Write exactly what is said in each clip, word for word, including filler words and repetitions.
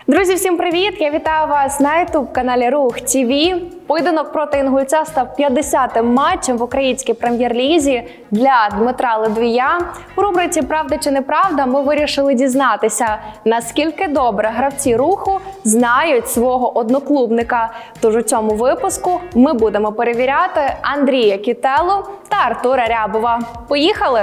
Друзі, всім привіт! Я вітаю вас на ютуб-каналі Рух ТВ. Поєдинок проти інгульця став п'ятдесятим матчем в українській прем'єр-лізі для Дмитра Ледвія. У рубриці «Правда чи неправда» ми вирішили дізнатися, наскільки добре гравці Руху знають свого одноклубника. Тож у цьому випуску ми будемо перевіряти Андрія Кітелу та Артура Рябова. Поїхали!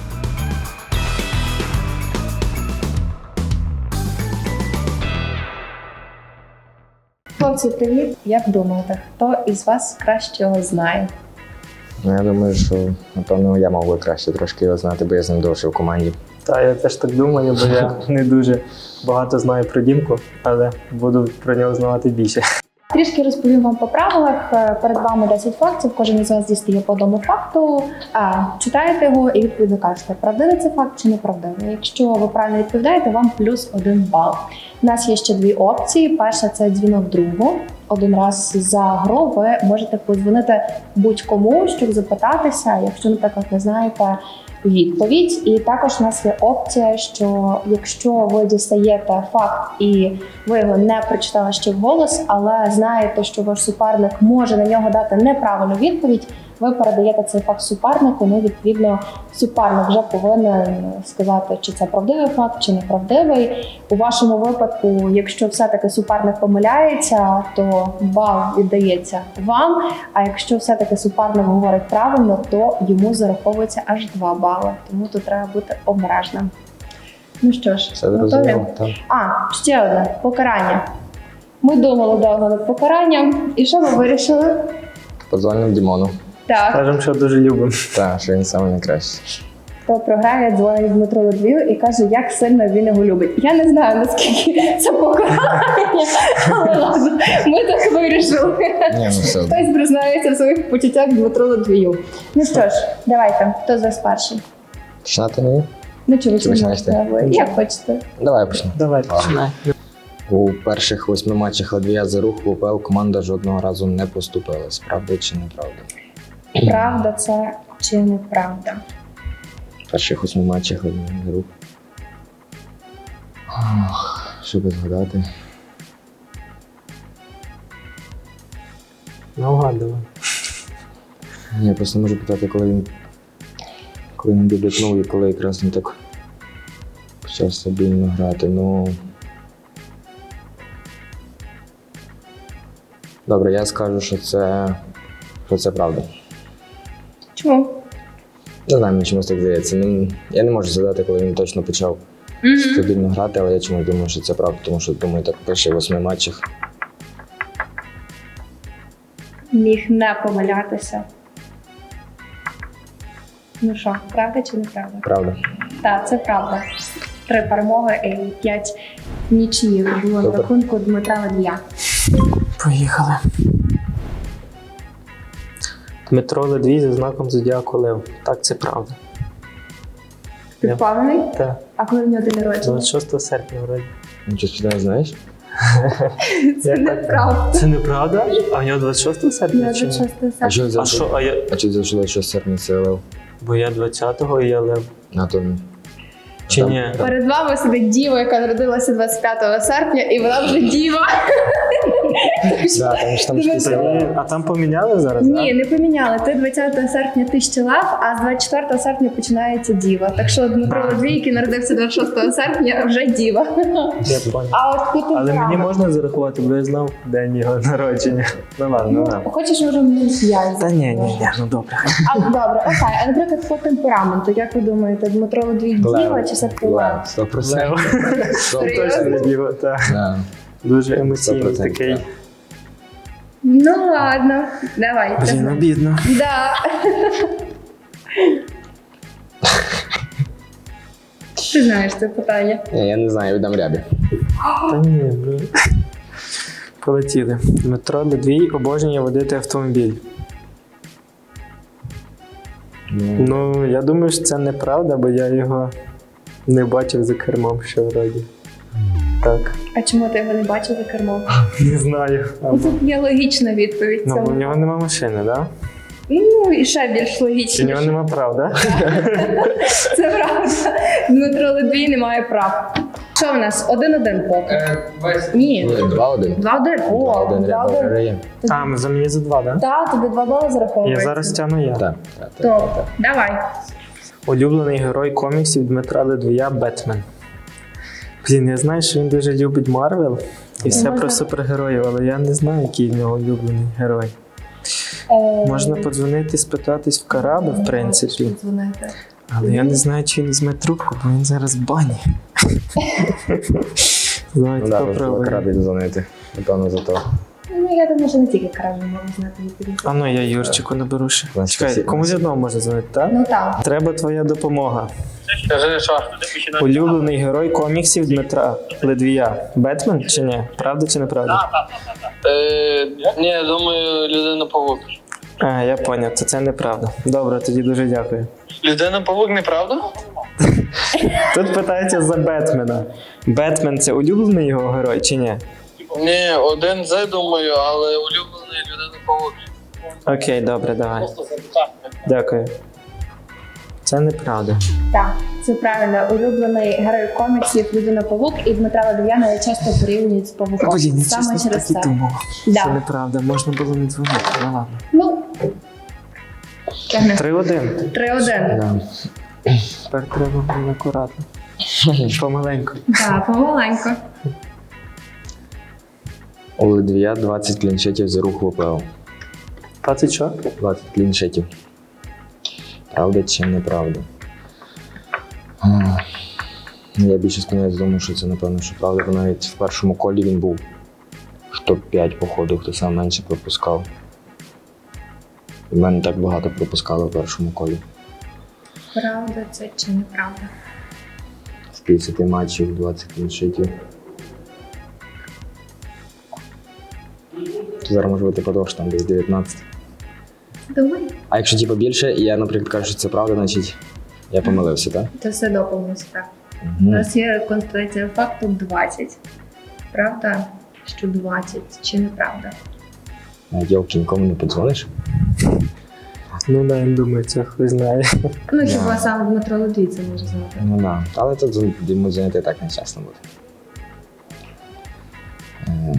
Хлопці, привіт! Як думаєте, хто із вас краще його знає? Ну, я думаю, що, напевно, я мав би краще трошки його знати, бо я з ним довше в команді. Так, я теж так думаю, бо я не дуже багато знаю про Дімку, але буду про нього знати більше. Трішки розповім вам по правилах. Перед вами десять фактів, кожен із вас дістає по одному факту. А, читаєте його і відповідно кажете, правдивий це факт чи неправдивий. Якщо ви правильно відповідаєте, вам плюс один бал. У нас є ще дві опції. Перша – це дзвінок другу. Один раз за гру ви можете подзвонити будь-кому, щоб запитатися, якщо, наприклад, не знаєте відповідь. І також у нас є опція, що якщо ви дістаєте факт і ви його не прочитали ще вголос, але знаєте, що ваш суперник може на нього дати неправильну відповідь, ви передаєте цей факт супернику, ну, відповідно, суперник вже повинен сказати, чи це правдивий факт, чи неправдивий. У вашому випадку, якщо все-таки суперник помиляється, то бал віддається вам, а якщо все-таки суперник говорить правильно, то йому зараховується аж два бали. Тому тут треба бути обережним. Ну що ж, Все готові? зрозуміло, так. А, ще одне, покарання. Ми думали довго над покаранням, і що ми вирішили? Подзвонив Дімону. Так. Кажемо, що дуже любимо. Так, що він саме найкращий. Хто програє, дзвонить Дмитру Ледвію і каже, як сильно він його любить. Я не знаю, наскільки це покарання, але ладно, ми так вирішили. Ні, ну все. Хтось признається в своїх почуттях Дмитру Ледвію. Ну що ж, давайте, хто з вас перший? Починати мені? Ну чи ви Чи починаєш ти? починаєте? Як хочете. Давай почнемо. Давай, починай. У перших восьми матчах Ледвія за Рух в УПЛ команда жодного разу не поступилась. Правда чи неправда? Правда це чи неправда? В перших восьми матчах Ледвія за Рух. Ох, що би згадати? Наугад давай. Я просто не можу питати, коли він коли він дебютнув і коли якраз він так почав стабільно грати. Ну добре, я скажу, що це що це правда. Чому? Не знаю, мені чомусь так здається. Не, я не можу згадати, коли він точно почав Mm-hmm. стабільно грати, але я чомусь думаю, що це правда, тому що думаю, так в перших восьми матчах. Міг не помилятися. Ну що, правда чи неправда? Правда. Так, це правда. Три перемоги і п'ять нічиїв було на Супер. рахунку Дмитра Ледвія. Поїхали. Дмитро Ледвій за знаком зодіаку Лев. Так, це правда. Ти впевнений? Так, А коли в нього день народження? двадцять шостого серпня вроді. Нічого сюди не знаєш? Це Як так? неправда. Це неправда? А в нього двадцять шостого серпня чи ні? двадцять шостого А що серпня. А що, а я... А чи взяли, що серпня це Лев? Бо я двадцятого і я Лев. А то Чи там- ні? Перед вами сидить діва, яка народилася двадцять п'ятого серпня, і вона вже діва. Да, там ж там Дивись, ж Та ні, а там поміняли зараз, Ні, так? не поміняли. Ти двадцятого серпня ти ще лев, а з двадцять четвертого серпня починається діва. Так що Дмитро Ледвій, який народився двадцять шостого серпня, вже діва. Я понял. А от тут Але мені правда. можна зарахувати, бо я знав день його народження. Ну ладно, ну ладно. Хочеш, може, мені п'ять? Та ні, ні, ні, ну добре. А, добре, окей. А, наприклад, по темпераменту, як ви думаєте, Дмитро Ледвій діва чи все-таки лев? Сто процентів. Лев. Сто Точно не процентів. діва, так. Да. Дуже емоційний Сто процентів, такий. так. Ну ладно, давайте. Блін, обідно. Да. Ти знаєш це питання. Ні, я не знаю, віддам Рябі. Та ні, блін. Полетіли. Дмитро Ледвій обожнює водити автомобіль. Ну, Ну, я думаю, що це неправда, бо я його не бачив за кермом ще вроді. Так. А чому ти його не бачив за кермом? Не знаю. Або... Тут є логічна відповідь. Ну, бо в цьому. нього нема машини, так? Да? Ну і ще більш Чи в логічніше. нього нема прав, так? Да? Це правда. Дмитро Ледвій не має прав. Що в нас? Один-один поки. Ні. Два-один. Два-один. О, Два-один Рябов два-один. виграє. А, ми за мені за два, так? Да? Так, тобі два бали Я зараховується. зараз тягну я. Так, так, так. Добре, давай. Улюблений герой коміксів Дмитра Ледвія Бетмен. Блін, я знаю, що він дуже любить Марвел і все Можна- про супергероїв, але я не знаю, який в нього улюблений герой. Е, Можна подзвонити, спитатись в Караби, в принципі. Дзвонити. Але я не знаю, чи він візьме трубку, бо він зараз в бані. Давайте Ну так, попробуємо. радий дзвонити. Напевно, за то. Ну, я думаю, що не тільки краще можна знати відповідь. А ну, я Юрчику наберу ще. Значить, Чекай, всі- комусь одного можна дзвонити, так? Ну так. Треба твоя допомога. Скажи, що? Улюблений герой коміксів Дмитра Ледвія. Бетмен чи ні? Правда чи неправда? Е, ні, я думаю, людина павук. А, я поняв, то це неправда. Добре, тоді дуже дякую. Людина павук, неправда? Тут питається за Бетмена. Бетмен це улюблений його герой чи ні? Ні, один з, думаю, але улюблений людина павук. Окей, добре, давай. Дякую. Це неправда. Так, це правильно. Улюблений герой коміксів Людина Павук і Дмитра Ледв'яна часто порівнюють з павуком. Блін, я Саме чесно через так і це. думав. Да. Це неправда, можна було не дзвонити, ну ладно. Ну, тягни. Три-один. Три-один. Да. Тепер треба було акуратно. Помаленьку. Так, помаленько. У Ледвія двадцять кліншетів за рух в ОПЛ. двадцять що? двадцять кліншетів. Правда чи неправда? А, Я більше склоняюсь до того, що це, напевно, що правда, бо навіть в першому колі він був в топ п'ять походу, хто сам менше пропускав. І в мене так багато пропускали в першому колі. Правда це чи неправда? З п'ятдесят матчів, двадцять кліншетів. Зараз може бути подовж, там десь дев'ятнадцять. Думаю, А якщо типу більше, і я, наприклад, кажу, що це правда, значить я помилився, так? це все доповнилося так. У Угу. нас є констатація факту двадцять. Правда, що двадцять чи неправда? Дівки, нікому не подзвониш? Ну да, я думаю, це хтось знає. Ну, Да. хіба саме Дмитро Ледвій це може знати. Ну так. Да. Але тут йому дзвонити так нечесно буде. Е,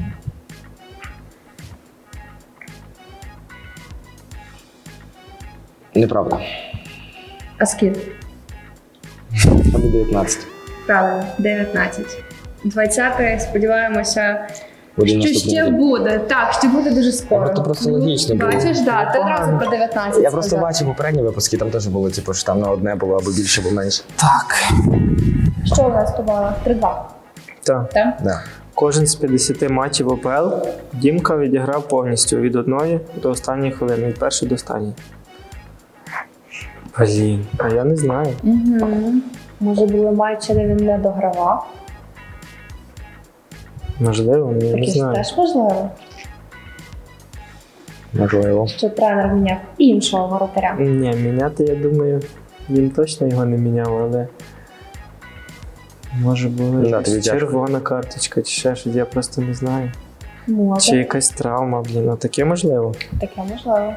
Неправда. А скільки? Або дев'ятнадцять. Правильно, дев'ятнадцять. двадцяте, сподіваємося, Буде що наступний ще день. буде. Так, що буде дуже скоро. А, то просто Ну, логічно було. Бачиш, так, ти одразу про дев'ятнадцять Я просто сказав. бачив попередні випуски, там теж було, типу, що там на одне було або більше, або менше. Так. Що у нас побало? три-два. Так. Так? Да. Кожен з п'ятдесят матчів ОПЛ Дімка відіграв повністю від одної до останньої хвилини, від першої до останньої. Блін, а я не знаю. Угу. Може, були матчі, де він не догравав? Можливо, я не Таке ж знаю. теж важливо, Можливо. що тренер міняв іншого воротаря. Ні, міняти, я думаю, він точно його не міняв, але може була Да, якась тобі тяжко. червона карточка чи ще щось, я просто не знаю. Може, Чи якась травма, блін, ну таке можливо. таке можливо.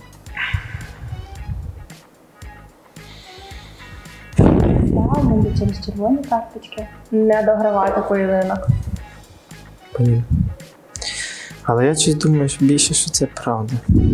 Так, може через червоні карточки. Не догравати поєдинок. Блін. Але я щось думаю, що більше, що це правда.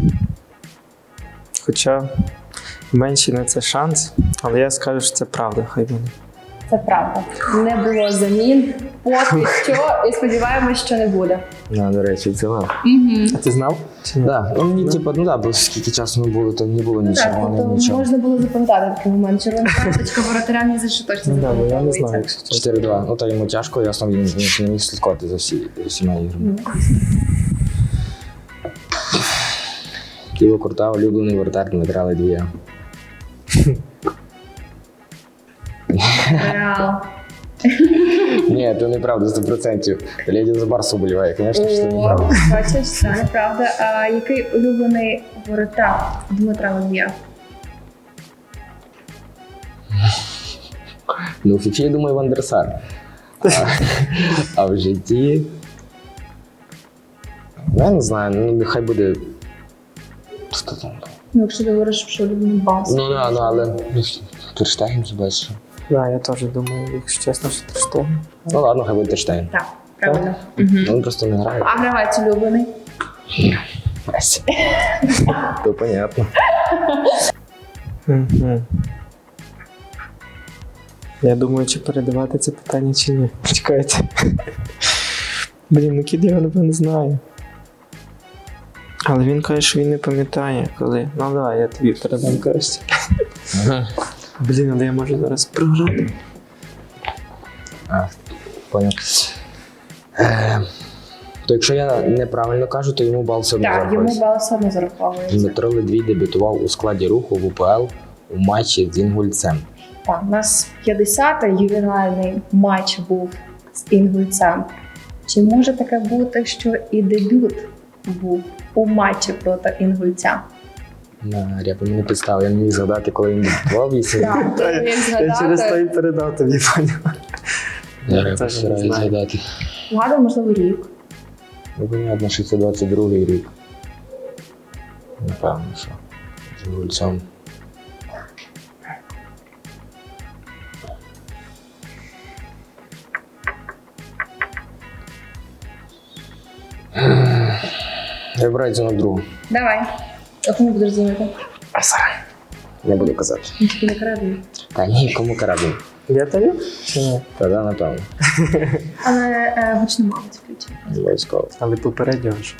Хоча менший на це шанс, але я скажу, що це правда, хай буде. Це правда. Не було замін поки що, і сподіваємось, що не буде. Да, до речі, це вам. Угу. А ти знав? Чи ні? Да. Ну, мені, типу, ну да, бо скільки часу не було, то не було Ну так, нічого, не тобто нічого. можна було запам'ятати такий момент. Червона карточка воротаря ні за що точно Ну, да, бо я не знаю, запам'ятовується. якщо чесно. чотири-два. Ну, то йому тяжко, ясно, він, він ще не міг слідкувати за всі, всіма іграми. Ну, Ківо Курта, улюблений вратар Дмитра Ледвія. Реал. Ні, це неправда, сто відсотків. Леді за Барсу боліває, звісно, що це О, неправда. бачиш, це неправда. А який улюблений воротар Дмитра Ледвія? Ну, в фіфі, я думаю, Вандерсар. А, а в житті... Ну, я не знаю, ну, нехай буде... Хто там? Ну, якщо ти говориш, що улюблений бас. Ну, да, ну, але... Терштеген, це бачиш. Да, я теж думаю, якщо чесно, що Тер Штеген. Ну ладно, хай буде Терштейн. Так, правильно. Угу. Ну, він просто не грає. А гравець улюблений? Мессі. То понятно. Угу. Я думаю, чи передавати це питання, чи ні. Чекайте. Блін, ну кіт його напевно знає. Але він каже, що він не пам'ятає, коли. Ну давай, я тобі передам краще. Ага. Блін, але я можу зараз програти. А, поняв. Е, то якщо я неправильно кажу, то йому бал все одно Так, йому зарахується. бал все одно зараховується. Дмитро Ледвій дебютував у складі руху в УПЛ у матчі з Інгульцем. Так, у нас п'ятдесятий ювенальний матч був з Інгульцем. Чи може таке бути, що і дебют був у матчі проти Інгульця? На ряпу мене підстав, я не міг згадати, коли він дебютував і сьогодні. Так, Та як Я через то і згадати, передав тобі, поняв. Я Це ряпу ж не стараюсь знаю. згадати. вгадав, можливо, рік. Ну, понятно, що це двадцять другий рік. Напевно, що з Інгульцем. Я вибираю дзвінок другу. Давай. А кому будеш дзвонити? Не буду казати. Він тільки не крадний. Та ні, кому карабін. Я тобі? Чи ні? Та да, напевно. Але е, гучно мабуть включив. Обов'язково. Але попереднього ж.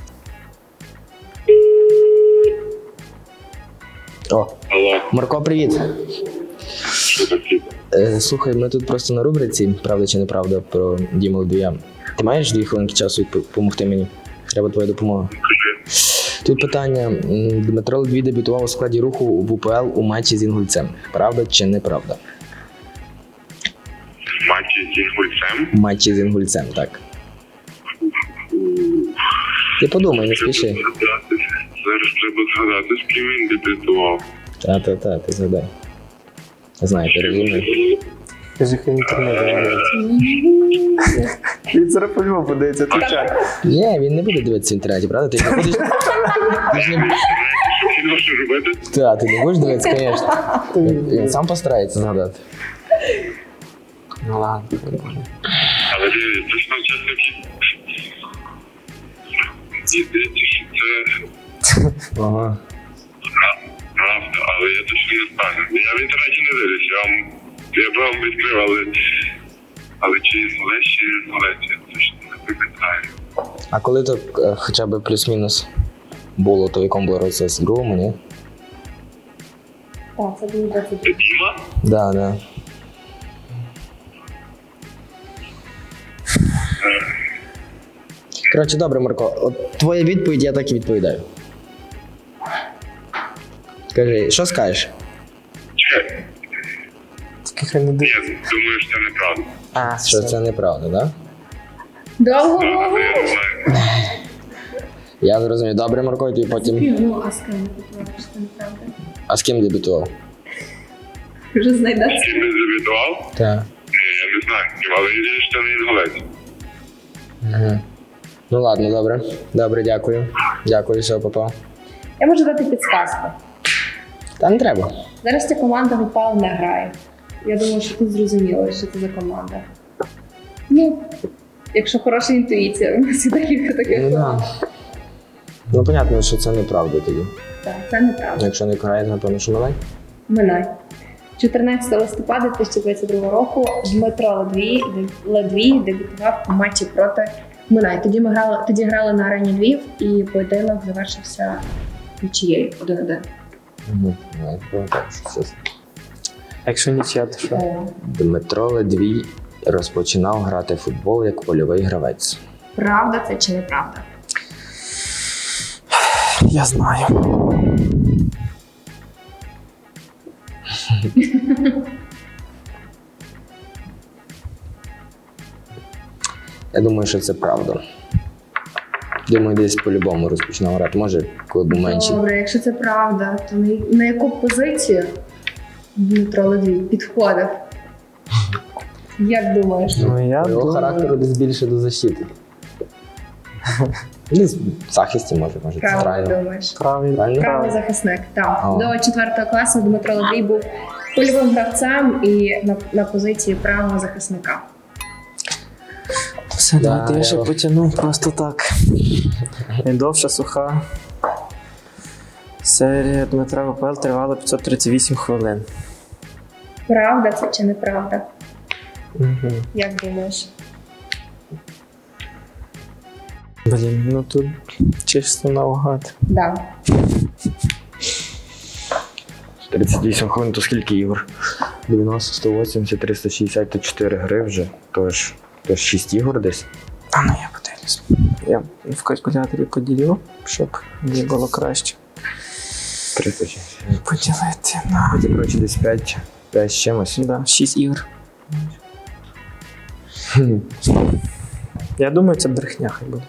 О, Алло, Марко, привіт. що таке? Е, слухай, ми тут просто на рубриці «Правда чи неправда» про Діму Ледвія. Ти маєш дві хвилинки часу допомогти мені? Треба твоя допомога. Тут питання. М, Дмитро Ледвій дебютував у складі руху в УПЛ у матчі з Інгульцем. Правда чи неправда? В матчі з Інгульцем? В матчі з Інгульцем, так. Ти подумай, не спіши. Зараз треба згадати, з ким він дебютував. Та-та-та, ти згадай. Знаю, ти розумний. Кажи, хай інтернет дивиться. Він зараз по-любому подивиться, ти чай. Ні, він не буде дивитися в інтернеті, правда? Ти не будеш. Ти ж не... Що кіно що робити? Та, ти не будеш дивитися, звісно. Він він сам постарається згадати. Ну ладно. Але ти точно чесно кі. Мені здається, що це Ага. правда, але я точно не впевнений. Я в інтернеті не дивлюсь, я вам я б вам відкрив, але але чи Інгулець, чи Інгулець, я точно не пам'ятаю. А коли то е, хоча б плюс-мінус було, то в якому було році? В другому, ні? Так, це було двадцять. Це Діма? Да, да. Коротше, добре, Марко, от твоя відповідь, я так і відповідаю. Скажи, що скажеш? Чекай, Тільки хай не ні, дивиться. думаю, що це неправда. А, Що все. це неправда, так? Да? Довго Так, довго. але я не знаю. Я зрозумів. Добре, Марко, і ти потім. Ну, а з ким не попливаєш, це неправда. А з ким дебютував? Вже знайдеш. З ким він дебютував? Так. Ні, я не знаю, з ким, але я вірю, що це не Інгулець. Ага. Ну ладно, добре. Добре, дякую. Дякую, все, папа. Я можу дати підсказку. Та не треба. Зараз ця команда в УПЛ не грає. Я думаю, що тут зрозуміло, що це за команда. Ну, якщо хороша інтуїція, у нас є декілька таких Ну, команд. да. Ну, понятно, що це неправда тоді. Так, це неправда. Якщо не грає, напевно, що Милай. Минай. чотирнадцятого листопада дві тисячі двадцять другого року Дмитро Ледвій, Ледвій дебютував у матчі проти Минай. Тоді ми грали, тоді грали на арені Львів, і поєдинок завершився нічиєю один-один. Угу. Я пам'ятаю, що це. Якщо нічия, то що? Е, Дмитро Ледвій розпочинав грати в футбол як польовий гравець. Правда це чи неправда? Я знаю. Я думаю, що це правда. Думаю, десь по-любому розпочинав грати. Може, коли був менший. Добре, якщо це правда, то на, на яку позицію Дмитро Ледвій підходив? Як думаєш? Ну я По його думаю... характеру десь більше до защити. Десь в захисті може, може, Правильно центрально. думаєш. Правильно. Правильно? Правий захисник. Так. О. До четвертого класу Дмитро Ледвій був Польовим гравцем і на, на позиції правого захисника. Все, Да, давайте я ще я- потягну просто так. Найдовша суха серія Дмитра в УПЛ тривала п'ятсот тридцять вісім хвилин. Правда це чи неправда? Угу. Як думаєш? Блін, ну тут чисто наугад. Да. тридцять вісім хвилин, то скільки ігор? дев'яносто, сто вісімдесят, триста шістдесят, то чотири гри вже. Тож, тож шість ігор десь. А ну я подивлюсь. Я в калькуляторі поділю, щоб мені було краще тридцять шість. поділити на Це, коротше, десь п'ять, п'ять з чимось. да, шість ігор. Я думаю, це брехня хай буде.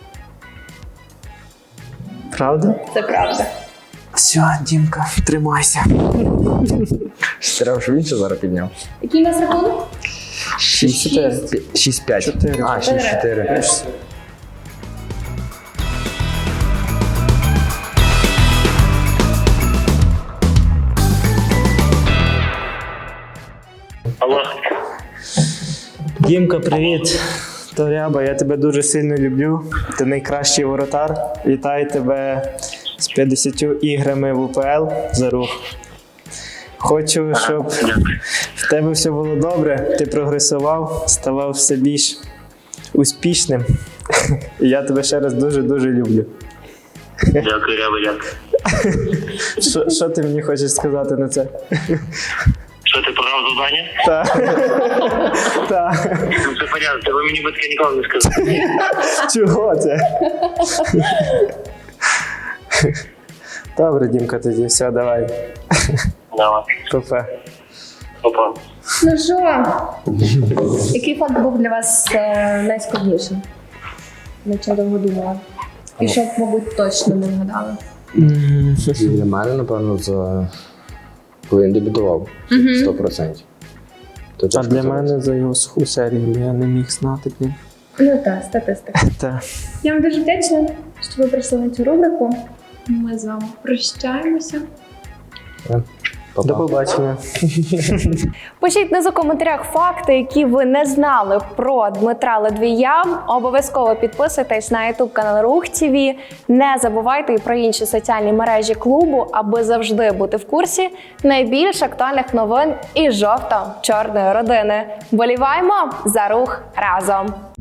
Правда? Це правда. Все, Дімка, тримайся. Треба, щоб він ще зараз підняв. Який у нас рахунок? шість чотири. шість п'ять. Чотири. А, шість чотири. Алло. Дімка, привіт. То Ряба, я тебе дуже сильно люблю. Ти найкращий воротар. Вітаю тебе з п'ятдесятьма іграми в УПЛ за рух. Хочу, щоб в тебе все було добре, ти прогресував, ставав все більш успішним. І я тебе ще раз дуже-дуже люблю. Дякую, Ряба, дякую. Що, що ти мені хочеш сказати на це? Що ти програв завдання? Так. Так. Ну це понятно, це ви мені би таке ніколи не сказали. Чого це? Добре, Дімка, тоді все, давай. Давай. Папа. Опа. Ну що, який факт був для вас е, найскладнішим? Над чим довго думала? І що, мабуть, точно не вгадали? Для мене, напевно, за... коли він дебютував. сто відсотків. То А тяжко для сказати. мене за його суху серію, бо я не міг знати, блін. Ну так, статистика. Та. Я вам дуже вдячна, що ви прийшли на цю рубрику. Ми з вами прощаємося. Па-па. До побачення. Пишіть внизу в коментарях факти, які ви не знали про Дмитра Ледвія. Обов'язково підписуйтесь на ютуб канал Рух ТВ. Не забувайте і про інші соціальні мережі клубу, аби завжди бути в курсі найбільш актуальних новин і жовто-чорної родини. Боліваємо за рух разом!